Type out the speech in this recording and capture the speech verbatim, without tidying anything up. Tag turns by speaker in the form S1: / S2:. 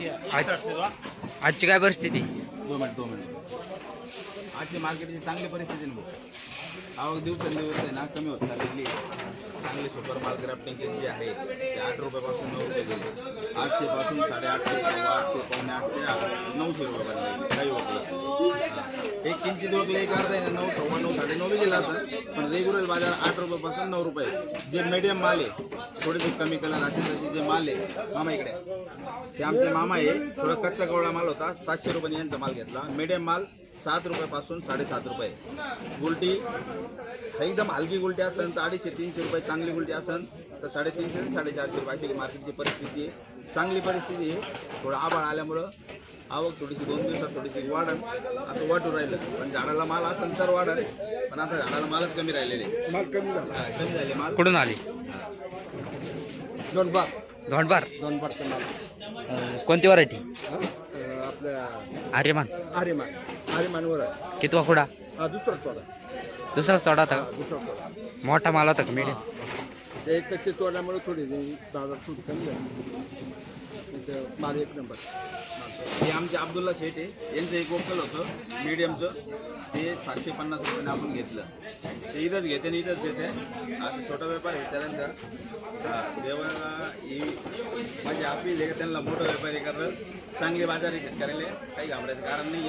S1: आजची काय परिस्थिती?
S2: दोन मिनिट दोन मिनिट आजची मार्केटची चांगली परिस्थिती आहे ना. आवक दिवसेंदिवस आहे ना कमी होत चाललेली आहे. चांगले सुपर माल ग्राफ्टिंग जे आहे ते आठ रुपयापासून नऊ रुपये गेले. आठशे पासून साडेआठशे किंवा आठशे पावणे आठशे नऊशे रुपयापर्यंत काही होतं. एक किंचित वगैरे एक अर्धा आहे ना नऊ सव्वा नऊ साडे नऊ बी गेला असं. पण रेग्युलर बाजार आठ रुपयापासून नऊ रुपये. जे मीडियम माल आहे थोडेसे कमी कलर असेल तसे जे माल आहे मामा इकडे ते आमचे मामा आहे. थोडा कच्चा गवळा माल होता सातशे रुपयांनी यांचा माल घेतला. मीडियम माल सात रुपयापासून साडेसात रुपये. गुलटी एकदम हलकी गुलटी असेल तर अडीचशे तीनशे रुपये. चांगली गुलटी असेल तर साडेतीनशे ते साडेचारशे रुपये अशी मार्केटची परिस्थिती आहे. चांगली परिस्थिती आहे. थोडं आभाळ आल्यामुळं आवक थोडीशी दोन दिवसात थोडीशी वाढन असं वाटून राहिलं. पण झाडाला माल असेल तर वाढन. पण आता झाडाला मालच कमी राहिलेले. माल कमी झाला कमी झाले माल.
S1: कुठून आली?
S2: दोनबार
S1: धोंडबार.
S2: दोनबारचा माल.
S1: अं, कोणती व्हरायटी?
S2: आपल्या
S1: आर्यमान.
S2: आर्यमान आर्यमानवर आहे.
S1: किती वाकुडा?
S2: हा दुसरा तोडा.
S1: दुसराच तोडा होता का?
S2: दुसरा तोडा.
S1: मोठा माल होता का मीडियम?
S2: ते एक टक्के तोडल्यामुळे थोडी दादा थोडी कमी झाली. माल एक नंबर. हे आमचे अब्दुल्ला शेठ आहे. यांचं एक वोकल होतं मीडियमचं ते सातशे पन्नास रुपयाने आपण घेतलं. ते इथंच घेते आणि इथंच देते. असं छोटा व्यापार आहे त्यांचा. देवाला ही माझी अपील आहे का त्यांना मोठं व्यापारी करणं चांगले बाजारी करायला काही घाबरायचं कारण नाही.